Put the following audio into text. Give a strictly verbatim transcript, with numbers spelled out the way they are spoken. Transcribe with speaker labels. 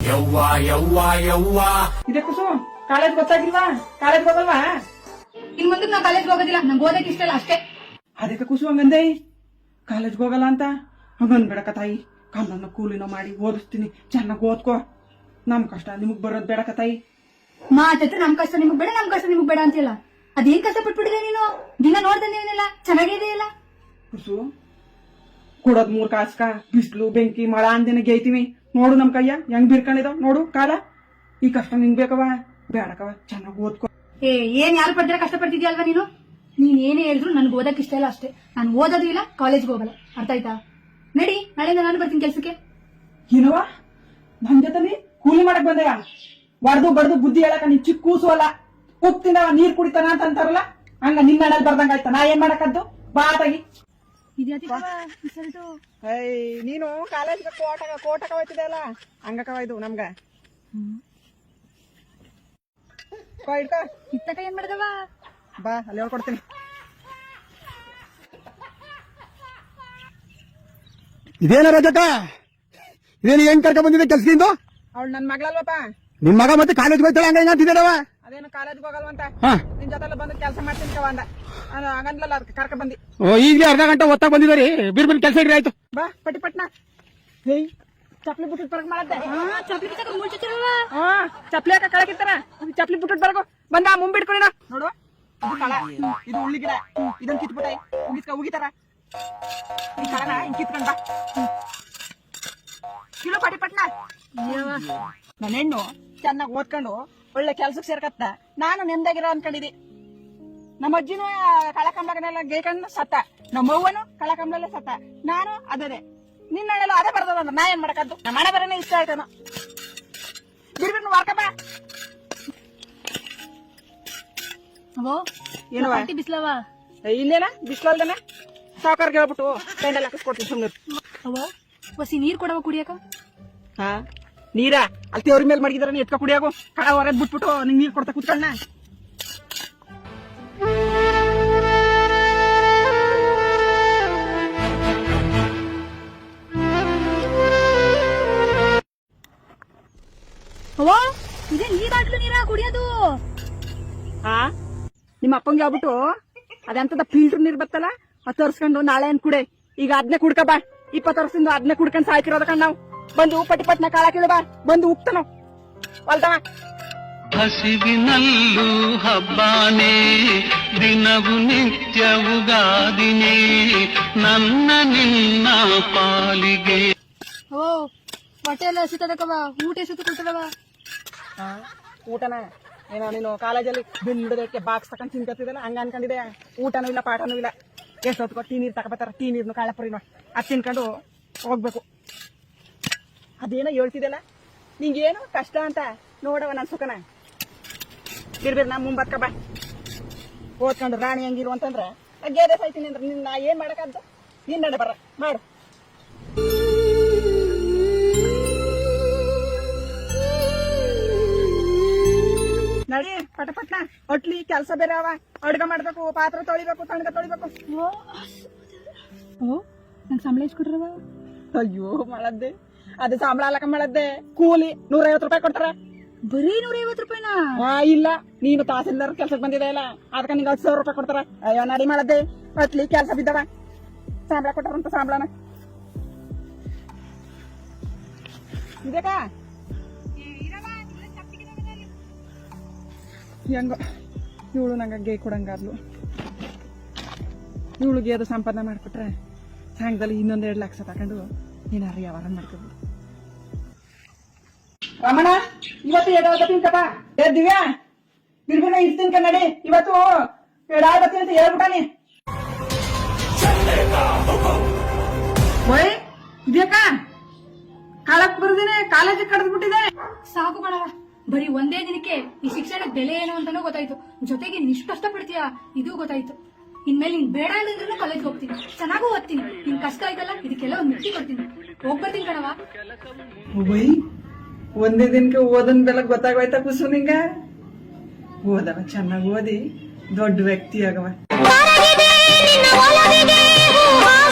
Speaker 1: ಯವ್ವ ಯವ್ವ ಯವ್ವ
Speaker 2: ಇದೆ ಕುಸು ಕಾಲೇಜ್ ಗೊತ್ತಾಗಿಲ್ವಾ? ಕಾಲೇಜ್ ಹೋಗಲ್ವಾ?
Speaker 3: ಇನ್ ಮುಂದೆ ನಾ ಕಾಲೇಜ್ ಹೋಗೋದಿಲ್ಲ, ನಂಗೆ ಓದಕ್ಕೆ ಇಷ್ಟ ಇಲ್ಲ ಅಷ್ಟೇ.
Speaker 2: ಅದಕ್ಕೆ ಕುಸು ಹಂಗಂದೆ ಕಾಲೇಜ್ಗೆ ಹೋಗಲ್ಲ ಅಂತ ಹಂಗಂದ್ಬೇಡಕ ತಾಯಿ. ಕಮ್ಮನ್ನ ಕೂಲಿನೋ ಮಾಡಿ ಓದಿಸ್ತೀನಿ, ಚೆನ್ನಾಗಿ ಓದ್ಕೋ. ನಮ್ ಕಷ್ಟ ನಿಮಗ್ ಬರೋದ್ ಬೇಡಕ ತಾಯಿ.
Speaker 3: ಮಾತತ್ರ ನಮ್ ಕಷ್ಟ ನಿಮಗ್ ಬೇಡ, ನಮ್ ಕಷ್ಟ ನಿಮಗ್ ಬೇಡ ಅಂತಿಲ್ಲ. ಅದೇನ್ ಕಷ್ಟ ಪಟ್ಬಿಟ್ಟಿದೆ ನೀನು? ದಿನ ನೋಡ್ದಂದೇನಿಲ್ಲ, ಚೆನ್ನಾಗಿದೆಯಲ್ಲ.
Speaker 2: ಕುಸು ಕೊಡೋದ್ ಮೂರ್ ಕಾಸ್ಕ ಬಿಸ್ಲು ಬೆಂಕಿ ಮಳ ಅಂದೇನೆ ಗೇಯ್ತೀವಿ. ನೋಡು ನಮ್ ಕೈಯ ಹೆಂಗ್ ಬಿರ್ಕೊಂಡಿದಾವ್ ನೋಡು ಕಾಲ. ಈ ಕಷ್ಟ ನಿಂಗ್ ಬೇಕವ ಬೇಡಕವ, ಚೆನ್ನಾಗಿ ಓದ್ಕೋ.
Speaker 3: ಏ ಏನ್ ಯಾರು ಪಡ್ದಿರ ಕಷ್ಟ ಪಡ್ತಿದ್ಯಲ್ವಾ ನೀನು? ನೀನ್ ಏನೇ ಹೇಳಿದ್ರು ನನ್ಗೆ ಓದಕ್ ಇಷ್ಟ ಇಲ್ಲ ಅಷ್ಟೇ. ನಾನು ಓದೋದು ಇಲ್ಲ, ಕಾಲೇಜ್ಗೆ ಹೋಗಲ್ಲ, ಅರ್ಥ ಆಯ್ತಾ? ನಡಿ, ನಾಳೆಯಿಂದ ನಾನು ಬರ್ತೀನಿ ಕೆಲ್ಸಕ್ಕೆ.
Speaker 2: ಏನವ ನನ್ ಜೊತೆ ಕೂಲಿ ಮಾಡಕ್ ಬಂದೆಯ? ಬಡ್ದು ಬಡ್ದು ಬುದ್ಧಿ ಹೇಳಕ ನೀನ್ ಚಿಕ್ಕ ಕೂಸು ಅಲ್ಲ. ಉಪ್ಪು ತಿಂದವ ನೀರ್ ಕುಡಿತಾನ ಅಂತ ಅಂತಾರಲ್ಲ, ಹಂಗ ನಿನ್ನ ನಡಲ್ ಬರ್ದಂಗ ಆಯ್ತಾ? ನಾ ಏನ್ ಮಾಡಕದ್ದು ಬಾ ತಾಗಿ. ನೀನು ಕಾಲೇಜ್ ಕೋಟಕ ಕೋಟಕ ಹೋಯ್ತಿದೆ ಅಲ್ಲ, ಹಂಗಕವ ಇದು ನಮ್ಗ.
Speaker 3: ಇತ್ತಕ ಏನ್ ಮಾಡ್ದವ?
Speaker 2: ಬಾ ಅಲ್ಲಿ ಹೇಳ್ಕೊಡ್ತೀನಿ.
Speaker 4: ಇದೇನ ರಜಕ, ಇದೇನು ಹೆಂಗ್ ಕರ್ಕ ಬಂದಿದೆ ಕೆಲ್ಸದಿಂದ?
Speaker 2: ಅವಳು ನನ್ ಮಗಳಲ್ವಪ್ಪ.
Speaker 4: ನಿಮ್ ಮಗ ಮತ್ತೆ ಕಾಲೇಜ್ ಹೋಗ್ತಾಳೆ ಹಂಗ ಹಿಂಗ ಅಂತಿದ್ದಾವ.
Speaker 2: ಅದೇನು ಕಾಲೇಜ್ಗೆ ಹೋಗಲ್ವಂತ, ನಿನ್ ಜೊತೆ ಬಂದು ಕೆಲಸ ಮಾಡ್ತೀನಿ ಕವ ಅಂದ. ಹಂಗಂದ್ಲಲ್ಲ ಅದಕ್ಕೆ ಕರ್ಕ ಬಂದಿ.
Speaker 4: ಓ ಈಗಲೇ ಅರ್ಧ ಗಂಟೆ ಒತ್ತಾಗ ಬಂದಿದ್ದಾರೆ, ಬಿರ್ ಬಿರ್ ಕೆಲಸ ಇಡ್ರಿ ಆಯ್ತು.
Speaker 2: ಬಾ ಪಟ್ಟಿ ಪಟ್ನ. ಹೇಯ್ ಚಪ್ಲಿ ಬಿಟ್ಟು ಬರಕ್ ಮಾಡತ್ತೆ. ಹಾ ಚಪ್ಲಿ ಹಾಕ ಕಳಕಿತ್ತಾರ, ಚಪ್ಲಿ ಬಿಟ್ಟು ಬರಕು ಬಂದ ಮುಂಬಿಟ್ಕೊಳಿನ ನೋಡು. ಇದು ಕಳ, ಇದು ಉಳ್ಳಿ ಗಿಡ, ಇದನ್ನ ಕಿತ್ಬಿಟ್ಟ ಉಗಿಸ್ಕ ಉಗಿತಾರ. ಈ ಕಳನ ಹಿಂಗ್ ಕಿತ್ಕೊಂಡ್ ಬಾ ಕಿಲೋ ಪಟ್ಟಿ ಪಟ್ನ. ನನ್ನ ಹೆಣ್ಣು ಚೆನ್ನಾಗಿ ಓದ್ಕೊಂಡು ಒಳ್ಳೆ ಕೆಲ್ಸಕ್ಕೆ ಸೇರ್ಕತ್ತ. ನಾನು ನೆಮ್ಮದಿಯಾಗಿರೋ ಅನ್ಕೊಂಡಿದ್ದೆ. ನಮ್ಮ ಅಜ್ಜಿನೂ ಕಳಕಂಬಳನೆಲ್ಲ ಗೇಕಂಡ್ ಸತ್ತ, ನಮ್ಮ ಅವ್ವನು ಕಳಕಂಬಳಲ್ಲೇ ಸತ್ತ, ನಾನು ಅದೇ. ನಿನ್ನೆಲ್ಲ ಅದೇ ಬರ್ತದ, ನಾ ಏನ್ ಮಾಡಕದ್ದು? ನಮ್ಮ ಮನೆ ಬರೋನೇ ಇಷ್ಟ ಆಯ್ತಾನ. ಬಿಡ್ಬಿಟ್ಟು ವಾರ್ಕಪ್ಪ. ಏನವ
Speaker 3: ಬಿಸ್ಲವ
Speaker 2: ಇಲ್ಲೇನ ಬಿಸ್ಲಲ್ದನ ಸಾವುಕಾರ್ಗೆ ಹೇಳ್ಬಿಟ್ಟು ಪೆಂಡಲ್ ಹಾಕಿಸ್ಕೊಡ್ತೀನಿ ಸುಮ್ಮನೆ.
Speaker 3: ಹೊಸಿ ನೀರ್ ಕೊಡವ ಕುಡಿಯಕ.
Speaker 2: ಹಾ ನೀರ ಅಲ್ಲಿ ತೇವ್ರ ಮೇಲೆ ಮಡಗಿದಾರ, ಎತ್ಕ ಕುಡಿಯಾಗು. ಕಡ ಹೊರದ್ ಬಿಟ್ಬಿಟ್ಟು ನಿಂಗ್ ನೀರ್ ಕೊಡ್ತಾ ಕುತ್ಕೊಳ್ಳ.
Speaker 3: ಅವ್ವ ಇದೇ ನೀರ್ ಬಾಟ್ಲು ನೀರ ಕುಡಿಯೋದು.
Speaker 2: ಹಾ ನಿಮ್ಮ ಅಪ್ಪಂಗೆ ಹೇಳ್ಬಿಟ್ಟು ಅದೆಂತದ ಫಿಲ್ಟರ್ ನೀರ್ ಬತ್ತಲ್ಲ ಅದು ತರ್ಸ್ಕೊಂಡು ನಾಳೆ ಅನ್ ಕುಡೆ. ಈಗ ಅದ್ನೇ ಕುಡ್ಕ ಬಾ. ಇಪ್ಪತ್ತು ವರ್ಷದಿಂದ ಅದ್ನೇ ಕುಡ್ಕೊಂಡ್ ಸಾಯ್ತಿರೋದ ಕಣ್ ನಾವು. ಬಂದು ಪಟ್ಟಿ ಪಟ್ನ ಕಾಳ ಕೇಳ ಬಾ, ಬಂದು ಉಕ್ತಾನೋ ಅಲ್ದವ.
Speaker 5: ಹಸಿವಿನಲ್ಲೂ ಹಬ್ಬಾನೇ, ದಿನವು ನಿತ್ಯವುಗಾದಿನೇ, ನನ್ನ ನಿನ್ನ ಪಾಲಿಗೆ.
Speaker 3: ಓ ಹೊಟ್ಟೆ ಎಲ್ಲ ಹಸಿತದಕವ, ಊಟ ಎಸತ್ತು ಕೊಡ್ತದವ.
Speaker 2: ಊಟನ ಏನೋ ನೀನು ಕಾಲೇಜಲ್ಲಿ ಬಿಲ್ಡದಕ್ಕೆ ಬಾಕ್ಸ್ ತಕೊಂಡ್ ತಿನ್ಕತ್ತಿದಲ್ಲ, ಹಂಗ ಅನ್ಕೊಂಡಿದೆ. ಊಟನೂ ಇಲ್ಲ ಪಾಠನೂ ಇಲ್ಲ. ಎಷ್ಟು ಹೊತ್ಕೊ ಟೀ ನೀರ್ ತಗೋಬತ್ತಾರ, ಟೀ ನೀರ್ನು ಕಾಳಪುರಿನ ಅದ್ ತಿನ್ಕೊಂಡು ಹೋಗ್ಬೇಕು. ಅದೇನೋ ಹೇಳ್ತಿದ್ದಲ್ಲ ನಿಂಗೇನು ಕಷ್ಟ ಅಂತ ನೋಡವ ನನ್ ಸುಖನ. ಬಿರ್ಬಿರ್ ನಾ ಮುಂಬತ್ಕ ಬಾ. ಓದ್ಕೊಂಡು ರಾಣಿ ಹಂಗಿರು ಅಂತಂದ್ರ ಗೇದೆ ಸಾಯ್ತೀನಿ ಅಂದ್ರೆ ನಿನ್ನ ನಾ ಏನ್ ಮಾಡಕದ್ದು? ನಿನ್ನ ನಡೆ ಬರ ಮಾಡು. ನಡಿ ಪಟ ಪಟ್ನ ಒಟ್ಲಿ ಕೆಲ್ಸ ಬೇರೆ ಅವ. ಅಡ್ಗ ಮಾಡ್ಬೇಕು, ಪಾತ್ರೆ ತೊಳಿಬೇಕು, ತಣ್ಣಗ ತೊಳಿಬೇಕು.
Speaker 3: ಓ ನಂಗೆ ಸಂಬಳ ಎಷ್ಟು ಕೊಟ್ರವ?
Speaker 2: ಅಯ್ಯೋ ಮಾಡದ್ದೆ ಅದು ಸಂಬಳ ಅಲ್ಲಕ ಮಾಡದ್ದೆ. ಕೂಲಿ ನೂರ ಐವತ್ತು ರೂಪಾಯಿ ಕೊಡ್ತಾರ.
Speaker 3: ಬರೀ ನೂರ ಐವತ್ತು ರೂಪಾಯಿನ?
Speaker 2: ಹಾ ಇಲ್ಲ, ನೀನು ತಹಸೀಲ್ದಾರ್ ಕೆಲ್ಸಕ್ಕೆ ಬಂದಿದೆ ಇಲ್ಲ, ಅದಕ್ಕೆ ನಿಂಗೆ ಹತ್ತು ಸಾವಿರ ರೂಪಾಯಿ ಕೊಡ್ತಾರ. ಅಯ್ಯೋ ನಡಿ ಮಾಡದ್ದೆ. ಒಟ್ಲಿ ಕೆಲ್ಸ ಬಿದ್ದವ, ಸಂಬಳ ಕೊಟ್ಟಾರಂತ ಸಂಬಳನ ಇದಕ್ಕ ಹೆಂಗ ಇವಳು ನಂಗೆ ಗೇ ಕೊಡಂಗಾದ್ಲು. ಇವಳಿಗೆ ಅದು ಸಂಪಾದನೆ ಮಾಡ್ಕೊಟ್ರೆ ಸಾಯಂಕಾಲ ಇನ್ನೊಂದ್ ಎರಡು ಲಕ್ಷ ತಕೊಂಡು ಏನಾರ ವ್ಯವಹಾರ ಮಾಡ್ಕೋಬಹುದು. ರಮಣ ಇವತ್ತು ಎಡಾದ ತಿನ್ಕಪ್ಪ. ಏ ದಿವ್ಯಾ ಬಿರ್ಬಿನ ಇದ್ ತಿನ್ಕ ನಡಿ. ಇವತ್ತು ಎಡಾದತಿ ಅಂತ ಹೇಳ್ಬಿಟ್ಟಾನಿ. ಓಯ್ ಇದ್ಯಾಕ ಕಾಲಕ್ ಬರ್ದಿನಿ, ಕಾಲೇಜಿಗೆ ಕಡ್ದು ಬಿಟ್ಟಿದೆ.
Speaker 3: ಸಾಕು ಕಣವ, ಬರೀ ಒಂದೇ ದಿನಕ್ಕೆ ಈ ಶಿಕ್ಷಣದ ಬೆಲೆ ಏನು ಅಂತಾನೂ ಗೊತ್ತಾಯ್ತು, ಜೊತೆಗೆ ನೀನ್ ಇಷ್ಟು ಕಷ್ಟ ಪಡ್ತೀಯಾ ಇದು ಗೊತ್ತಾಯ್ತು. ಇನ್ಮೇಲೆ ನೀನ್ ಬೇಡ ಹೇಳಿದ್ರು ಕಾಲೇಜ್ ಹೋಗ್ತೀನಿ, ಚೆನ್ನಾಗೂ ಓದ್ತೀನಿ. ನಿನ್ ಕಷ್ಟ ಆಯ್ತಲ್ಲ, ಇದಕ್ಕೆಲ್ಲ ಒಂದ್ ಮುಕ್ತಿ ಕೊಡ್ತೀನಿ. ಹೋಗ್ಬರ್ತೀನಿ ಕಣವ.
Speaker 2: ಓಯ್ ಒಂದೇ ದಿನಕ್ಕೆ ಓದನ್ ಬೆಲೆ ಗೊತ್ತಾಗೋಯ್ತಾ ಕುಸು ನಿಂಗ? ಓದವ ಚೆನ್ನಾಗಿ ಓದಿ ದೊಡ್ಡ ವ್ಯಕ್ತಿ ಆಗವ.